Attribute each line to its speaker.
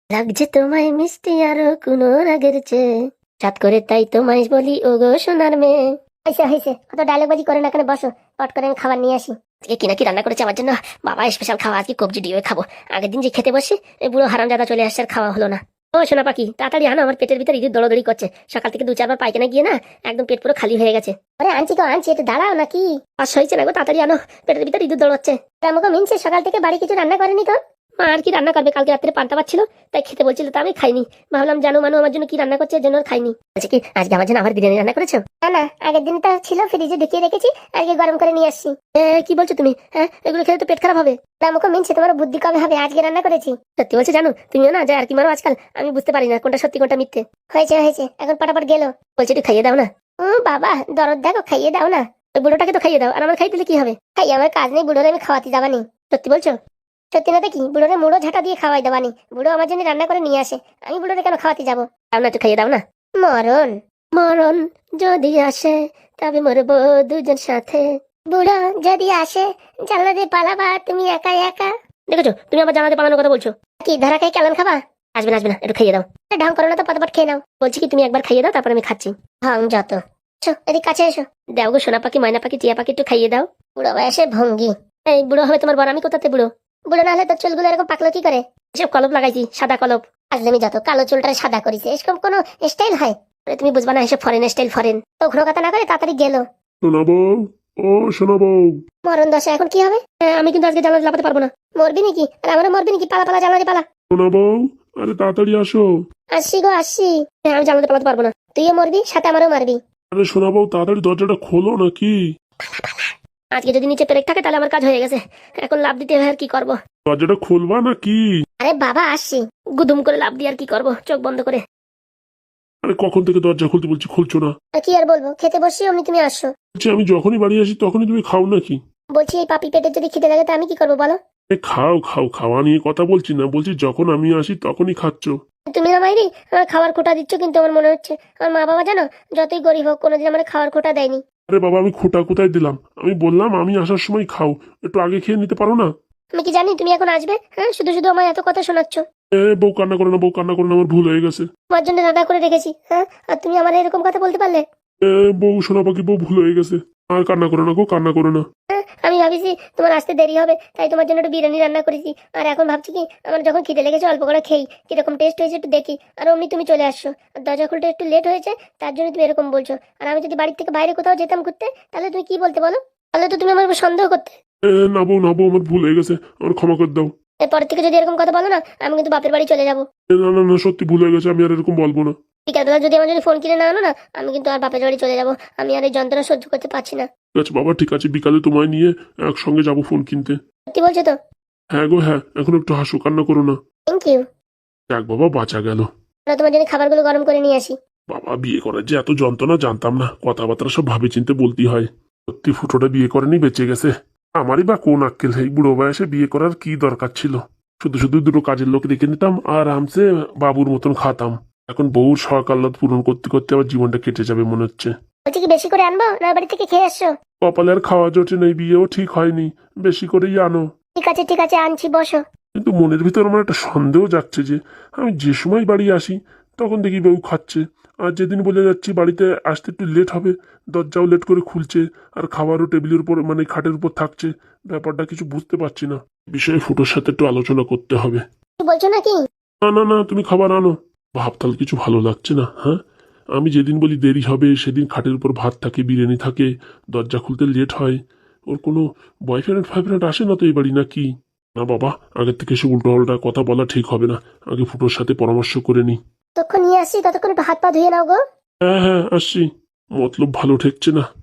Speaker 1: লাগছে তোমায় মিষ্টি আরো কোনো রাগের চেয়ে, চাঁদ করে তাই তোমায় বলি ও গো সোনার মেয়ে। হয়েছে হয়েছে, অত ডায়লগ বাজি করে না, কেন বসো, পট করে আমি খাবার নিয়ে আসি। আজকে কি নাকি রান্না করেছে আমার জন্য বাবা, স্পেশাল খাওয়া, আজকে কবজি দিয়ে খাবো। আগের দিন যে খেতে বসে এই বুড়ো হারামজাদা চলে আসছে, আর খাওয়া হলো না। ও সোনা পাখি, তাড়াতাড়ি আনো, আমার পেটের ভিতরে ইঁদুর দৌড়াদৌড়ি করছে। সকাল থেকে 2-4 বার পায়খানা গিয়ে না একদম পেট পুরো খালি হয়ে গেছে। আরে আনছি তো আনছি, একটু দাঁড়াও নাকি, আর হয়েছে না গো, তাড়াতাড়ি আনো, পেটের ভিতরে ইঁদুর দৌড়াচ্ছে। আমাকে মিনছে সকাল থেকে বাড়ি কিছু রান্না করেনি তো। মা আর কি রান্না করবে, কালকে রাত্রে পান্তা পাচ্ছিল তাই খেতে বলছিল, তা আমি খাইনি। ভাবলাম জানো মানু আমার জন্য কি রান্না করছে, এর জন্য আর খাইনি। আচ্ছা কি আজকে আমার জন্য আবার বিরিয়ানি রান্না করেছো? না না, আগের দিন তো ছিল ফ্রিজে ঢুকিয়ে রেখেছি, আজকে গরম করে নিয়ে আসছি। কি বলছো তুমি? হ্যাঁ, এগুলো খেলে তো পেট খারাপ হবে। আমাকে মিনছে, তোমার বুদ্ধি কবে হবে, আজকে রান্না করেছি। সত্যি বলছো জানো, তুমিও না যায় আর কি মারো আজকাল, আমি বুঝতে পারি না কোনটা সত্যি কোনটা মিথ্যে। হয়েছে হয়েছে, এখন পটাপট গেল। বলছি একটু খাইয়ে দাও না। বাবা দরদ দেখো, খাইয়ে দাও না। ওই বুড়োটাকে তো খাইয়ে দাও, আর আমার খাই দিলে কি হবে? খাই, আমার কাজ নেই, বুড়োরে আমি খাওয়াতে যাবানি। সত্যি বলছো? সত্যি না দেখি, বুড়োরে মুড়ো ঝাঁটা দিয়ে খাওয়াই দেবানি। বুড়ো আমার জন্য রান্না করে নিয়ে আসে, আমি বুড়োরে কেন খাওয়াতে যাবো? দাও না, একটু খাইয়ে দাও না। মরণ মরণ যদি আসে তবে মরবো দুজন সাথে। বুড়ো যদি আসে জানলা দিয়ে পালাবা তুমি একা একা। দেখেছো, তুমি আমার জানাতে পালানোর কথা বলছো। কি ধরা খাই কেমন খাবা? আসবে না আসবে না, একটু খাইয়ে দাও। ঢং করো না তো, পটাপট খেয়ে নাও। বলছি কি তুমি একবার খাইয়ে দাও, তারপর আমি খাচ্ছি। ঢং যত। এদিক কাছে এসো। দাও গো সোনা পাখি, ময়না পাখি, টিয়া পাখি, একটু খাইয়ে দাও। বুড়ো বয়সে ভঙ্গি। এই বুড়ো হবে তোমার বর, আমি কোথাতে বুড়ো? বুড়ো না হলে তোর চুলগুলো এরকম পাকলো কি করে? এসব কলপ লাগাইছি, সাদা কলপ। আজলামি যত, কালো চুলটা সাদা করিছে, এসব কোনো স্টাইল হয়? তুমি বুঝবা না, এসব ফরেন স্টাইল, ফরেন। তো ঘুরো কথা না করে তাড়াতাড়ি গেল।
Speaker 2: শোনাবো, ও শোনাবো।
Speaker 1: মরণ দশা, এখন কি হবে? আমি কিন্তু আজকে জানলা লাগাতে পারবো না। মরবি নাকি? আর আমারও মরবি নাকি? পালা পালা, জানলা দিয়ে পালা।
Speaker 2: শোনাবো, আরে তাড়াতাড়ি আসো।
Speaker 1: আসছি গো আসছি। আমি জানলাতে পালাতে পারবো না, তুইও মরবি, সাথে আমারও মারবি।
Speaker 2: আরে শোনাবো, তাড়াতাড়ি দরজাটা খোলো নাকি।
Speaker 1: আজকে যদি নিচে পেরেক থাকে তাহলে আমার কাজ হয়ে গেছে, এখন লাভ দিতে হয়, আর কি করবো?
Speaker 2: দরজাটা খুলবা নাকি?
Speaker 1: আরে বাবা আসছি, গুদুম করে লাভ দিয়ে আর কি করবো, চোখ বন্ধ করে।
Speaker 2: আরে কখন থেকে দরজা খুলতে বলছি, খুলছো না।
Speaker 1: আর কি আর বলবো, খেতে বসছি অমনি তুমি আসছো।
Speaker 2: বলছি আমি যখনই বাড়ি আসি তখনই তুমি খাও নাকি?
Speaker 1: বলছি এই পাপি পেটের যদি খিদে লাগে তা আমি কি করবো বলো?
Speaker 2: খাও খাও, খাওয়া নিয়ে কথা বলছি না, বলছি যখন আমি আসি তখনই খাচ্ছ।
Speaker 1: তুমি না মাইরি, আমার খাবার খোটা দিচ্ছ, কিন্তু আমার মনে হচ্ছে আমার মা বাবা জানো যতই গরিব হোক কোনোদিন আমার খাবার খোটা দেয়নি।
Speaker 2: আরে বাবা, আমি খোটা কোথায় দিলাম? আমি বললাম আমি আসার সময় খাও, একটু আগে খেয়ে নিতে পারো না?
Speaker 1: আমি কি জানি তুমি এখন আসবে? হ্যাঁ, শুধু শুধু আমার এত কথা শোনাচ্ছ।
Speaker 2: বউ কান্না করে না, বউ কান্না করে না, আমার ভুল হয়ে গেছে।
Speaker 1: তোমার জন্য রান্না করে রেখেছি, হ্যাঁ, আর তুমি আমার এরকম কথা বলতে পারলে?
Speaker 2: বউ শোনা পাখি, বউ ভুল হয়ে গেছে। আর কান্না করো না গো, কান্না করো না।
Speaker 1: আমি ভাবিছি তোমার আসতে দেরি হবে, তাই তোমার জন্য একটু বিরিয়ানি রান্না করেছি। আর এখন ভাবছি কি, আমার যখন খিদে লেগেছে অল্প করে খেই, কিরকম টেস্ট হয়েছে একটু দেখি। আর অমনি তুমি চলে আসছো, আর দরজা খুলতে একটু লেট হয়েছে, তার জন্য তুমি এরকম বলছো। আর আমি যদি বাড়ির থেকে বাইরে কোথাও যেতাম ঘুরতে, তাহলে তুমি কি বলতে বলো? তাহলে তো তুমি আমার উপর সন্দেহ করতে।
Speaker 2: না বউ, না বউ, আমার ভুল হয়ে গেছে, আমার ক্ষমা করে দাও।
Speaker 1: এরপর থেকে যদি এরকম কথা বলো না, আমি কিন্তু বাপের বাড়ি চলে যাবো।
Speaker 2: না না না, সত্যি ভুল হয়ে গেছে, আমি আর এরকম বলবো না।
Speaker 1: বিকালবেলা যদি আমার জন্য ফোন কিনে না আনো না, আমি কিন্তু আর বাপের বাড়ি চলে যাবো। আমি আর এই যন্ত্রণা সহ্য করতে পারছি না।
Speaker 2: ঠিক আছে বাবা, ঠিক আছে, বিকালে তোমায় নিয়ে একসঙ্গে যাবো ফোন কিনতে।
Speaker 1: সত্যি বলছো তো?
Speaker 2: হ্যাঁ গো হ্যাঁ, এখন একটু হাসো, কান্না করো না।
Speaker 1: Thank you.
Speaker 2: যাক বাবা, বাঁচা গেল।
Speaker 1: তোমার জন্য খাবারগুলো গরম করে নিয়ে আসি।
Speaker 2: বাবা, বিয়ে করার যে এত যন্ত্রণা জানতাম না, কথাবার্তা সব ভাবে চিনতে বলতেই হয়। সত্যি ফুটোটা বিয়ে করেনি, বেঁচে গেছে। আমারই বা কোন আক্কেল, এই বুড়ো বয়সে বিয়ে করার কি দরকার ছিল? শুধু শুধু দুটো কাজের লোক রেখে নিতাম, আরামসে বাবুর মতন খাতাম। এখন বউর শখ আহ্লাদ পূরণ করতে করতে আবার জীবনটা কেটে যাবে মনে হচ্ছে।
Speaker 1: বলছি কি বেশি করে আনবো, না বাড়ি থেকে খেয়ে আসছো?
Speaker 2: কপালে আর খাওয়া জোটে নেই, বিয়েও ঠিক হয়নি, বেশি করেই আনো।
Speaker 1: ঠিক আছে আনছি, বসো।
Speaker 2: কিন্তু মনের ভিতর আমার একটা সন্দেহ যাচ্ছে যে আমি যে সময় বাড়ি আসি তখন দেখি বউ খাচ্ছে, আর যেদিন বলে যাচ্ছি বাড়িতে আসতে একটু লেট হবে, দরজাও লেট করে খুলছে, আর খাবারও টেবিলের উপর মানে খাটের উপর থাকছে। ব্যাপারটা কিছু বুঝতে পারছি না, বিষয়ে ফুটোর সাথে একটু আলোচনা করতে হবে।
Speaker 1: কি বলছো নাকি?
Speaker 2: না না না, তুমি খাবার আনো। ভাবতাল কিছু ভালো লাগছে না। হ্যাঁ, আমি যেদিন বলি দেরি হবে সেদিন খাটের উপর ভাত থাকে, বিরিয়ানি থাকে, দরজা খুলতে লেট হয়। ওর কোনো বয়ফ্রেন্ড ফয়ফ্রেন্ড আসে না তো এই বাড়ি নাকি? না বাবা, আগের থেকে সে উল্টো পাল্টা কথা বলা ঠিক হবে না, আগে ফুটোর সাথে পরামর্শ করে নি।
Speaker 1: ততক্ষণ নিয়ে আসছি, ততক্ষণ একটু হাত পা ধুয়ে নাও গো।
Speaker 2: হ্যাঁ হ্যাঁ, আসছি। মতলব ভালো ঠেকছে না।